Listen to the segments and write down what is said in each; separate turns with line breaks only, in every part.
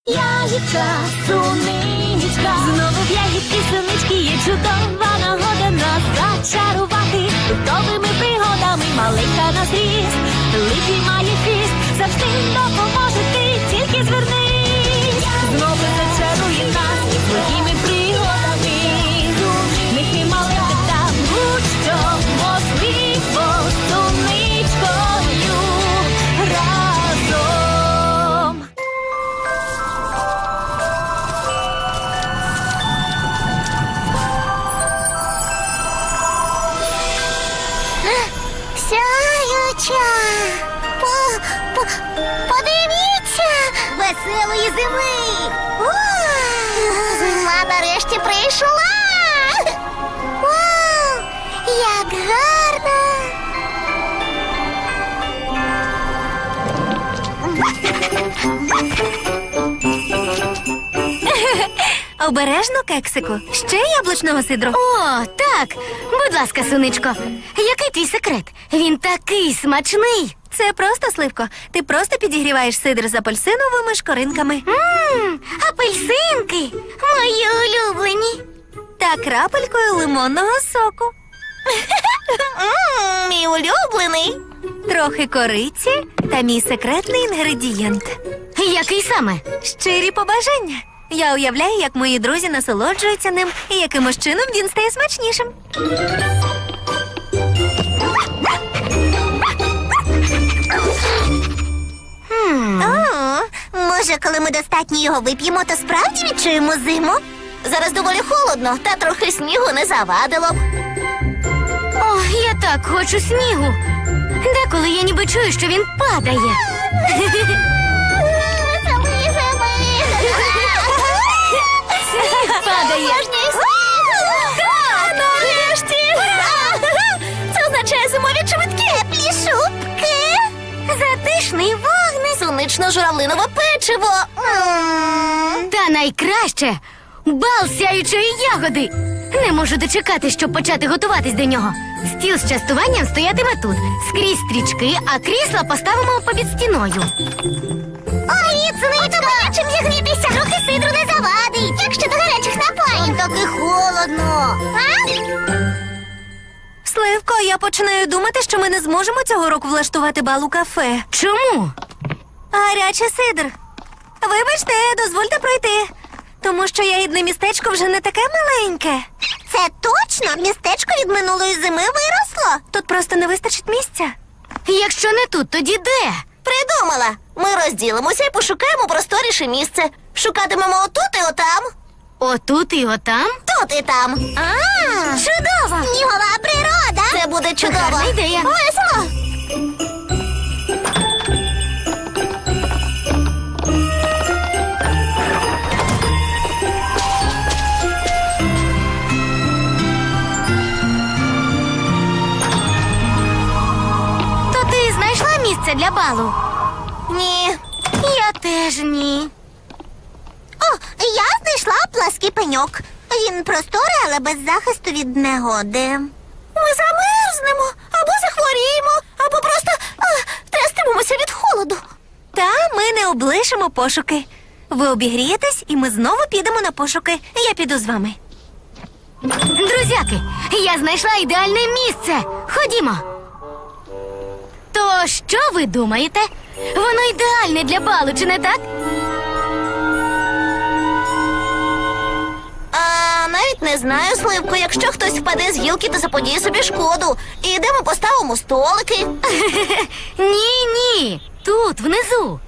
Ягідка, суничка, знову в ягідки сунички є чудова нагода нас зачарувати фруктовими пригодами. Маленька на зріст, липій має хист, завжди допоможе ти, тільки звернись. Знову зачарує нас своїми пригодами. Нехай маленька та будь-що можливо з суничкою разом.
Сяюча! Подивіться! Веселої зими! Зима нарешті прийшла! Вау! Як гарно!
Обережно, кексику. Ще яблучного сидру.
О, так! Будь ласка, суничко, який твій секрет? Він такий смачний!
Це просто, Сливко. Ти просто підігріваєш сидр з апельсиновими шкоринками.
Апельсинки! Мої улюблені!
Та крапелькою лимонного соку.
Мій улюблений!
Трохи кориці та мій секретний інгредієнт.
Який саме?
Щирі побажання. Я уявляю, як мої друзі насолоджуються ним і якимось чином він стає смачнішим.
Може, коли ми достатньо його вип'ємо, то справді відчуємо зиму? Зараз доволі холодно, та трохи снігу не завадило б. О, я так хочу снігу. Деколи я ніби чую, що він падає. Сніг падає. Так, нарешті. Це означає зимові чобітки. Теплі шубки. Затишний вогник. Сонично-журавлинове печиво. Та найкраще бал сяючої ягоди. Не можу дочекати, щоб почати готуватись до нього. Стіл з частуванням стоятиме тут. Скрізь стрічки, а крісла поставимо попід стіною. Ой, Сонечко, чим зігрітися? Трохи сидру не завадить. Як щодо гарячих напоїв? Таки холодно. А?
Сливко, я починаю думати, що ми не зможемо цього року влаштувати бал у кафе.
Чому?
Гарячий сидр. Вибачте, дозвольте пройти. Тому що ягідне містечко вже не таке маленьке.
Це точно? Містечко від минулої зими виросло?
Тут просто не вистачить місця.
Якщо не тут, тоді де? Придумала. Ми розділимося і пошукаємо просторіше місце. Шукатимемо отут і отам. Отут і отам? Тут і там. Чудово! Снігова природа! Це буде чудово. Гарна ідея. Весело! То ти знайшла місце для балу? Ні. Я теж ні. О, я знайшла плаский пеньок. Він просторий, але без захисту від негоди. Ми замерзнемо, або захворіємо, або просто трястимемося від холоду.
Та ми не облишимо пошуки. Ви обігрієтесь, і ми знову підемо на пошуки. Я піду з вами.
Друзяки, я знайшла ідеальне місце. Ходімо. То що ви думаєте? Воно ідеальне для балу, чи не так? Навіть не знаю, Сливко. Якщо хтось впаде з гілки, то заподіє собі шкоду. І йдемо поставимо столики. Ні. Тут, внизу.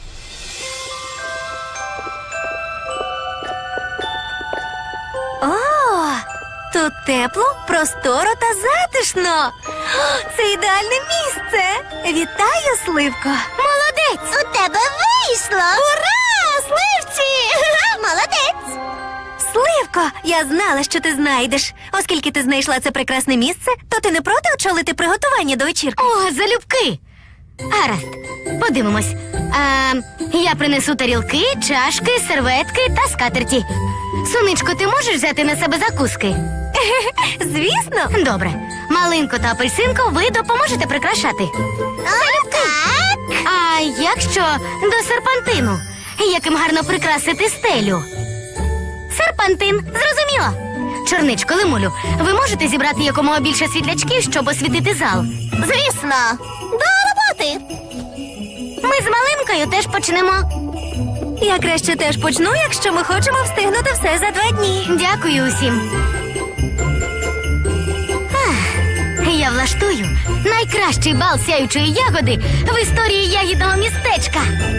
О, тут тепло, просторо та затишно. О, це ідеальне місце. Вітаю, Сливко.
Молодець! У тебе вийшло! Ура! Сливці! Молодець!
Сливко, я знала, що ти знайдеш. Оскільки ти знайшла це прекрасне місце, то ти не проти очолити приготування до вечірки?
О, залюбки! Гаразд, подивимось. Я принесу тарілки, чашки, серветки та скатерті. Сонечко, ти можеш взяти на себе закуски?
Звісно.
Добре. Малинко та апельсинко, ви допоможете прикрашати. Залюбки! А як що до серпантину? яким гарно прикрасити стелю. Серпантин, зрозуміло. Чорничко, Лимулю, ви можете зібрати якомога більше світлячків, щоб освітити зал?
Звісно, до роботи.
Ми з Малинкою теж почнемо.
Я краще теж почну, якщо ми хочемо встигнути все за 2 дні.
Дякую усім. Я влаштую найкращий бал сяючої ягоди в історії ягідного містечка.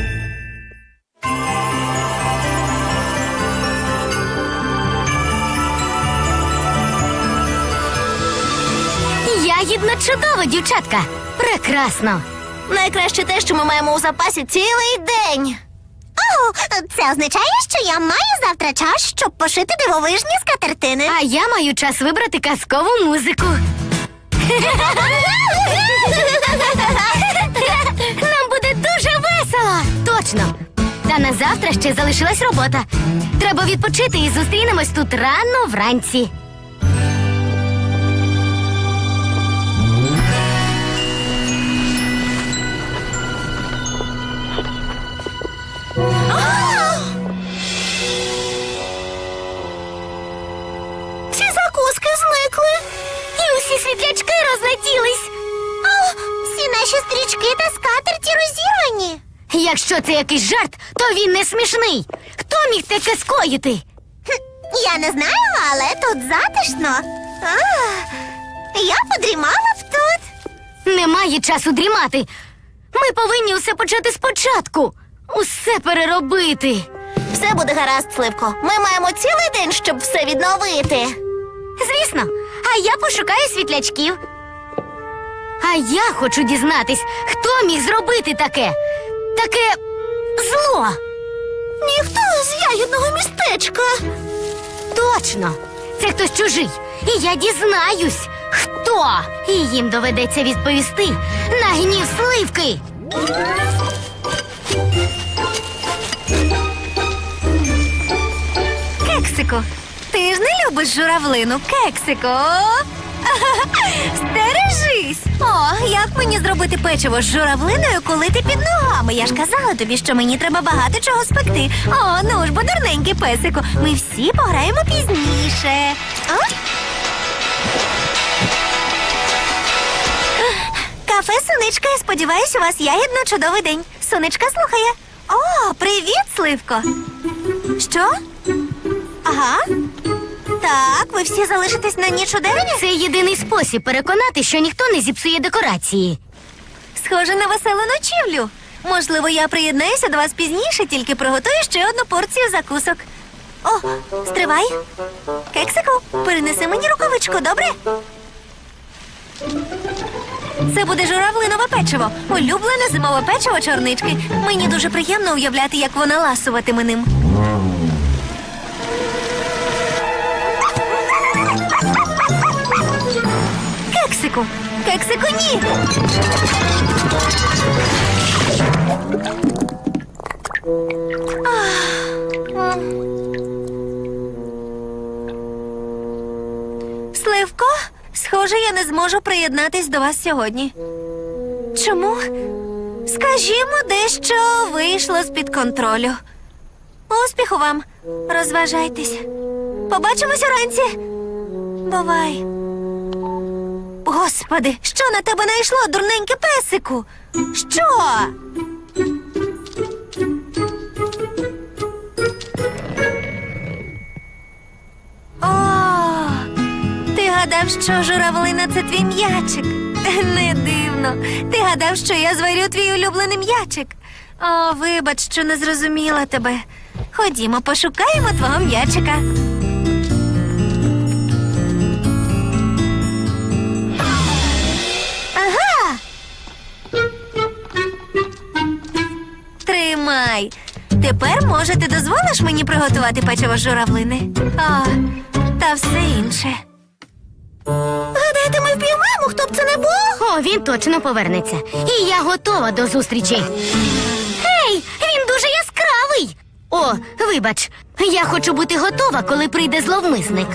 Ягідно чудово, дівчатка. Прекрасно.
Найкраще те, що ми маємо у запасі цілий день.
О, це означає, що я маю завтра час, щоб пошити дивовижні скатертини. А я маю час вибрати казкову музику. Нам буде дуже весело. Точно. Та на завтра ще залишилась робота. Треба відпочити і зустрінемось тут рано вранці.
Всі закуски зникли.
І усі світлячки розлетілись.
Всі наші стрічки та скатерті розірвані.
Якщо це якийсь жарт, то він не смішний. Хто міг таке скоїти?
Я не знаю, але тут затишно. Я подрімала б тут.
Немає часу дрімати. Ми повинні усе почати спочатку. Усе переробити.
Все буде гаразд, Сливко. Ми маємо цілий день, щоб все відновити.
Звісно, а я пошукаю світлячків. А я хочу дізнатись, хто міг зробити таке зло.
Ніхто з ягідного містечка.
Точно, це хтось чужий. І я дізнаюсь, хто. І їм доведеться відповісти на гнів Сливки.
Кексику, ти ж не любиш журавлину, Кексику. Стережись! О, як мені зробити печиво з журавлиною, коли ти під ногами? Я ж казала тобі, що мені треба багато чого спекти. О, ну ж, бо дурненький песику. Ми всі пограємо пізніше. Кафе Сонечка, я сподіваюся, у вас ягідно чудовий день. Сонечка слухає. О, привіт, Сливко. Що? Ага. Так, ви всі залишитесь на ніч у деревні?
Це єдиний спосіб переконати, що ніхто не зіпсує декорації.
Схоже на веселу ночівлю. Можливо, я приєднаюся до вас пізніше, тільки приготую ще одну порцію закусок. О, стривай. Кексику, перенеси мені рукавичку, добре? Це буде журавлинове печиво. Улюблене зимове печиво чорнички. Мені дуже приємно уявляти, як вона ласуватиме ним. Кексику! Кексику, ні! Сливко, схоже, я не зможу приєднатись до вас сьогодні. Чому? Скажімо, дещо вийшло з-під контролю. Успіху вам! Розважайтесь. Побачимось уранці. Бувай. Господи, що на тебе найшло, дурненьке песику? Що? О, ти гадав, що журавлина – це твій м'ячик? Не дивно. Ти гадав, що я зварю твій улюблений м'ячик? О, вибач, що не зрозуміла тебе. Ходімо, пошукаємо твого м'ячика. Ага! Тримай. Тепер, може, ти дозволиш мені приготувати печиво з журавлини? О, та все інше.
Гадаєте, ми впіймаємо, хто б це не був?
О, він точно повернеться. І я готова до зустрічі. Гей, він дуже яскравий. О, вибач, я хочу бути готова, коли прийде зловмисник.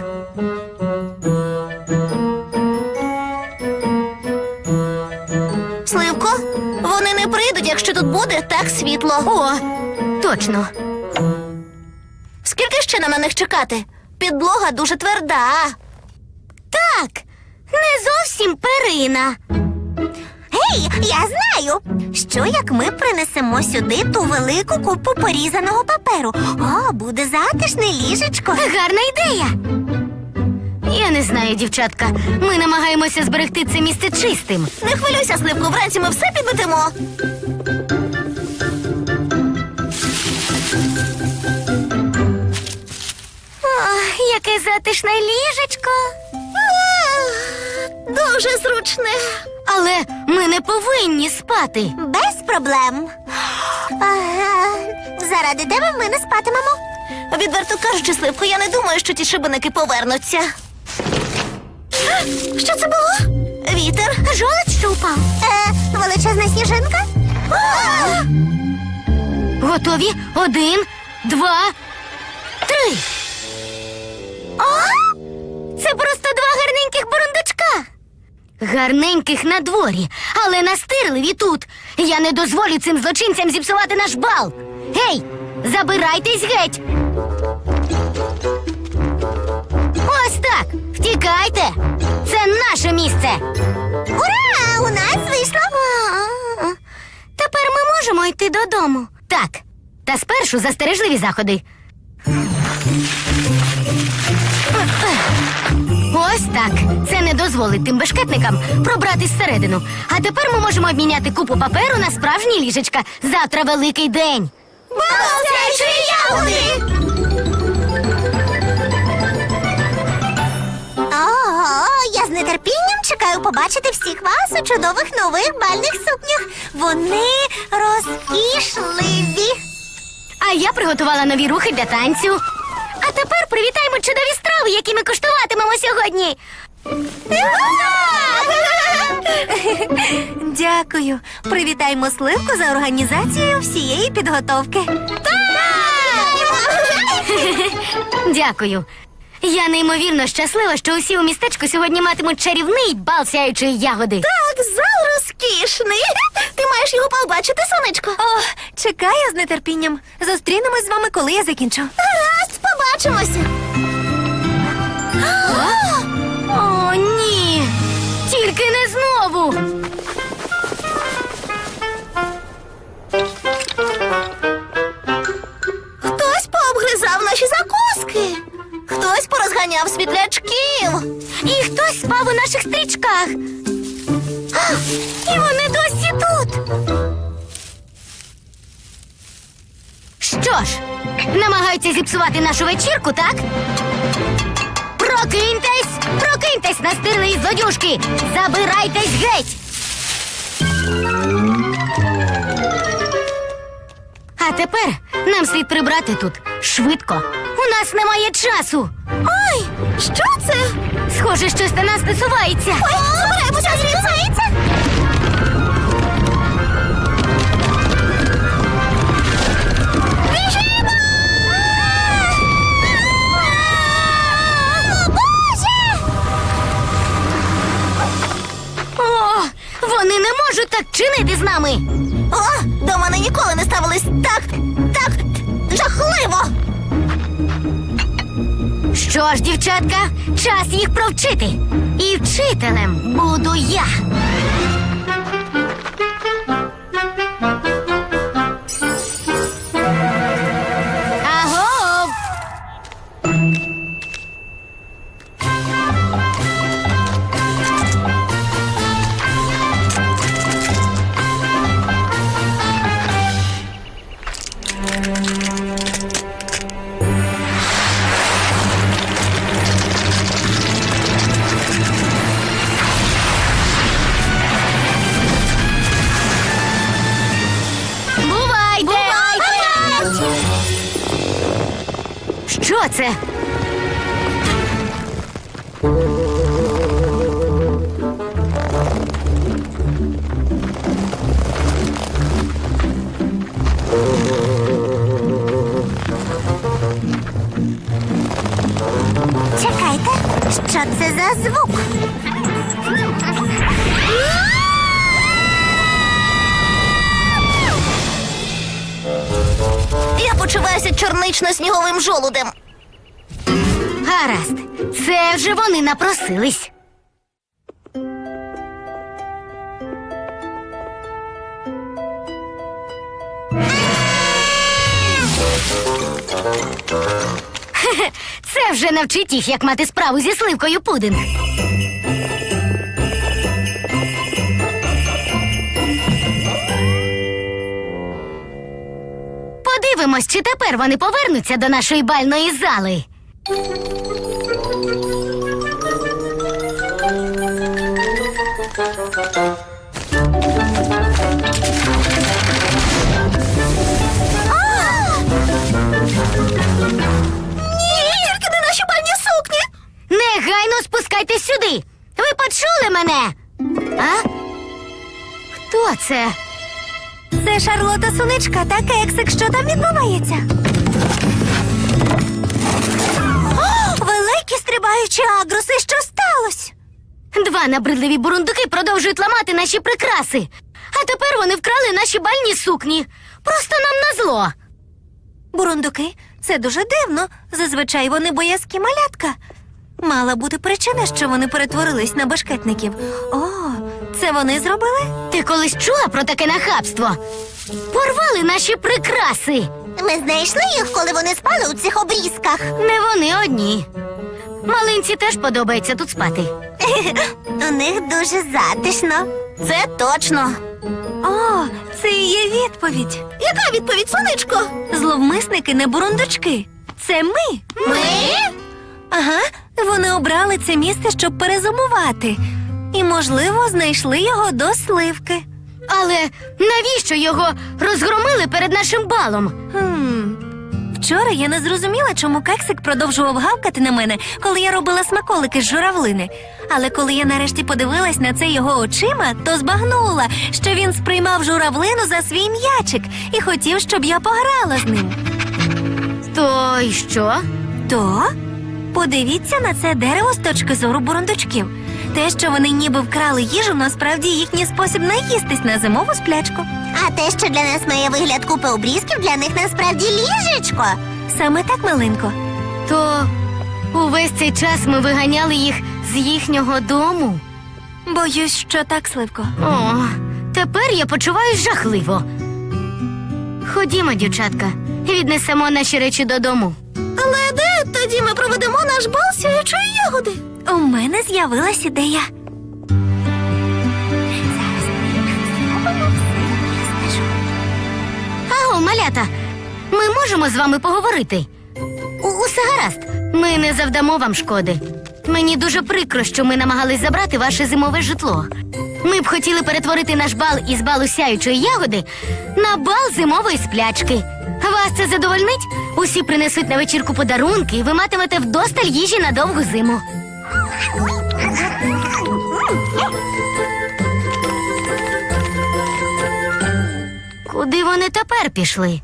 Сливко, вони не прийдуть, якщо тут буде так світло.
О, Точно.
Скільки ще нам на них чекати? Підлога дуже тверда.
Так, не зовсім перина.
Гей, я знаю! Що як ми принесемо сюди ту велику купу порізаного паперу? О, буде затишне ліжечко.
Гарна ідея. Я не знаю, дівчатка. Ми намагаємося зберегти це місце чистим.
Не хвилюйся, Сливко, вранці ми все підметемо.
О, яке затишне ліжечко.
Дуже зручне.
Але ми не повинні спати.
Без проблем. Заради тебе ми не спатимемо.
Відверто кажучи, Сливко, я не думаю, що ті шибеники повернуться. Що це було? Вітер.
Жолудь, що упав. Величезна сніжинка.
Готові? 1, 2, 3. Це просто 2 гарненьких бурундучка. Гарненьких на дворі, але настирливі тут. Я не дозволю цим злочинцям зіпсувати наш бал. Гей, забирайтесь геть. Ось так. Втікайте. Це наше місце.
Ура! У нас вийшло.
Тепер ми можемо йти додому. Так. Та спершу застережливі заходи. Ось так. Це не дозволить тим бешкетникам пробратись всередину. А тепер ми можемо обміняти купу паперу на справжні ліжечка. Завтра великий день.
Балакаючі ягоди!
Я з нетерпінням чекаю побачити всіх вас у чудових нових бальних сукнях. Вони розкішливі.
А я приготувала нові рухи для танцю. А тепер привітаємо чудові страви, які ми куштуватимемо сьогодні.
Дякую. Привітаємо Сливку за організацію всієї підготовки.
Дякую. Я неймовірно щаслива, що усі у містечку сьогодні матимуть чарівний бал сяючої ягоди.
Так, зал розкішний. Ти маєш його побачити, сонечко.
О, чекаю з нетерпінням. Зустрінемось з вами, коли я закінчу.
Гаразд, побачимося.
О, ні! Тільки не знову!
Хтось пообгризав наші закуски. Хтось порозганяв світлячків.
І хтось спав у наших стрічках. І вони досі тут. Що ж, намагаються зіпсувати нашу вечірку, так? Прокиньтесь! Прокиньтесь, настирливі злодюжки! Забирайтесь геть! А тепер нам слід прибрати тут. Швидко. У нас немає часу.
Ой, що це?
Схоже, щось на нас насувається.
Ой, забираємося звідси.
Біжимо! О, вони не можуть так чинити з нами.
О, до мене ніколи не ставились так жахливо.
Що ж, дівчатка, час їх провчити. І вчителем буду я. Агов! Бувайте! Що це?
Чекайте, що це за звук?
здавайся чорнично-сніговим жолудем.
Гаразд, це вже вони напросились. Хе-хе, це вже навчить їх, як мати справу зі сливкою пудинг. Подивимось, чи тепер вони повернуться до нашої бальної зали.
Ні, тільки не наші бальні сукні.
Негайно спускайтесь сюди. Ви почули мене? А? Хто це?
Це Шарлота Сонечка та Кексик. Що там відбувається? О, великі стрибаючі агруси, що сталося?
Два набридливі бурундуки продовжують ламати наші прикраси. А тепер вони вкрали наші бальні сукні. Просто нам назло.
Бурундуки, це дуже дивно. Зазвичай вони боязкі малятка. Мала бути причина, що вони перетворились на башкетників. О, це вони зробили?
Ти колись чула про таке нахабство? Порвали наші прикраси.
Ми знайшли їх, коли вони спали у цих обрізках.
Не вони одні. Малинці теж подобається тут спати.
У них дуже затишно. Це точно.
О, це і є відповідь.
Яка відповідь, сонечко?
Зловмисники не бурундучки. Це ми.
Ми?
Ага, вони обрали це місце, щоб перезимувати. І, можливо, знайшли його до сливки.
Але навіщо його розгромили перед нашим балом?
Вчора я не зрозуміла, чому Кексик продовжував гавкати на мене, коли я робила смаколики з журавлини. Але коли я нарешті подивилась на це його очима, то збагнула, що він сприймав журавлину за свій м'ячик і хотів, щоб я пограла з ним.
То й що?
То подивіться на це дерево з точки зору бурундучків. Те, що вони ніби вкрали їжу, насправді їхній спосіб наїстись на зимову сплячку.
А те, що для нас має вигляд купи обрізків, для них насправді ліжечко.
Саме так, малинко.
То увесь цей час ми виганяли їх з їхнього дому.
Боюсь, що так, Сливко.
О, тепер я почуваюсь жахливо. Ходімо, дівчатка, віднесемо наші речі додому.
Але де тоді ми проведемо наш бал сяючої ягоди?
У мене з'явилась ідея. Зараз зробимо все,
Аго, малята, ми можемо з вами поговорити? Усе гаразд, ми не завдамо вам шкоди. Мені дуже прикро, що ми намагались забрати ваше зимове житло. Ми б хотіли перетворити наш бал із балу сяючої ягоди на бал зимової сплячки. Вас це задовольнить? Усі принесуть на вечірку подарунки, і ви матимете вдосталь їжі на довгу зиму. Куди вони тепер пішли?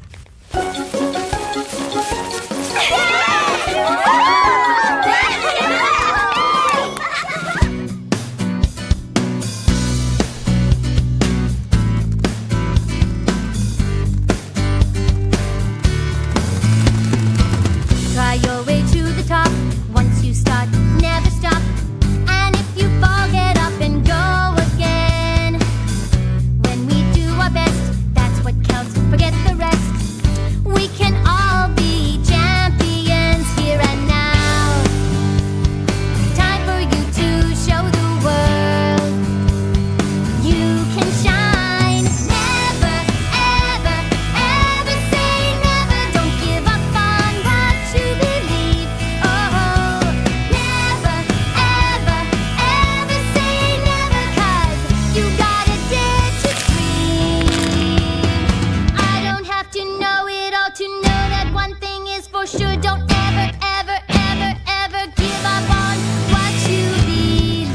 Try your way to the top. Once you start, never stop. And if you fall, get up and go again. When we do our best, that's what counts. Forget the rest. We can all be champions here and now. Time for you to show the world you can shine. Never, ever, ever say never. Don't give up on what you believe. Oh, never, ever, ever say never. 'Cause you gotta dare to dream. I don't have to know it all to know that one thing is for sure. Don't ever, ever, ever, ever give up on what you believe.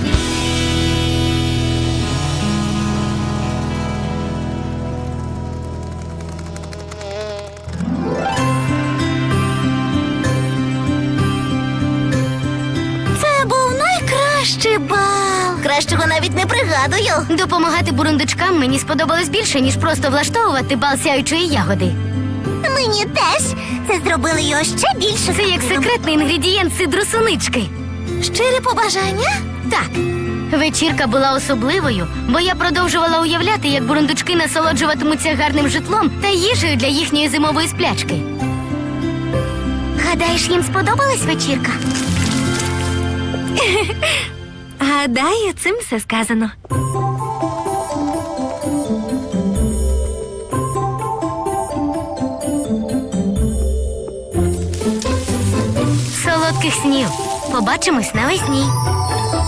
Це був найкращий бал. Кращого навіть не пригадую.
Допомагати бурундучкам мені сподобалось більше, ніж просто влаштовувати бал сяючої ягоди.
Ми Мені теж. Це зробили його ще більше.
Це як секретний інгредієнт сидру сунички.
Щире побажання?
Так. Вечірка була особливою, бо я продовжувала уявляти, як бурундучки насолоджуватимуться гарним житлом та їжею для їхньої зимової сплячки.
Гадаєш, їм сподобалась вечірка?
Гадаю, цим все сказано.
Солодких снів. Побачимось навесні.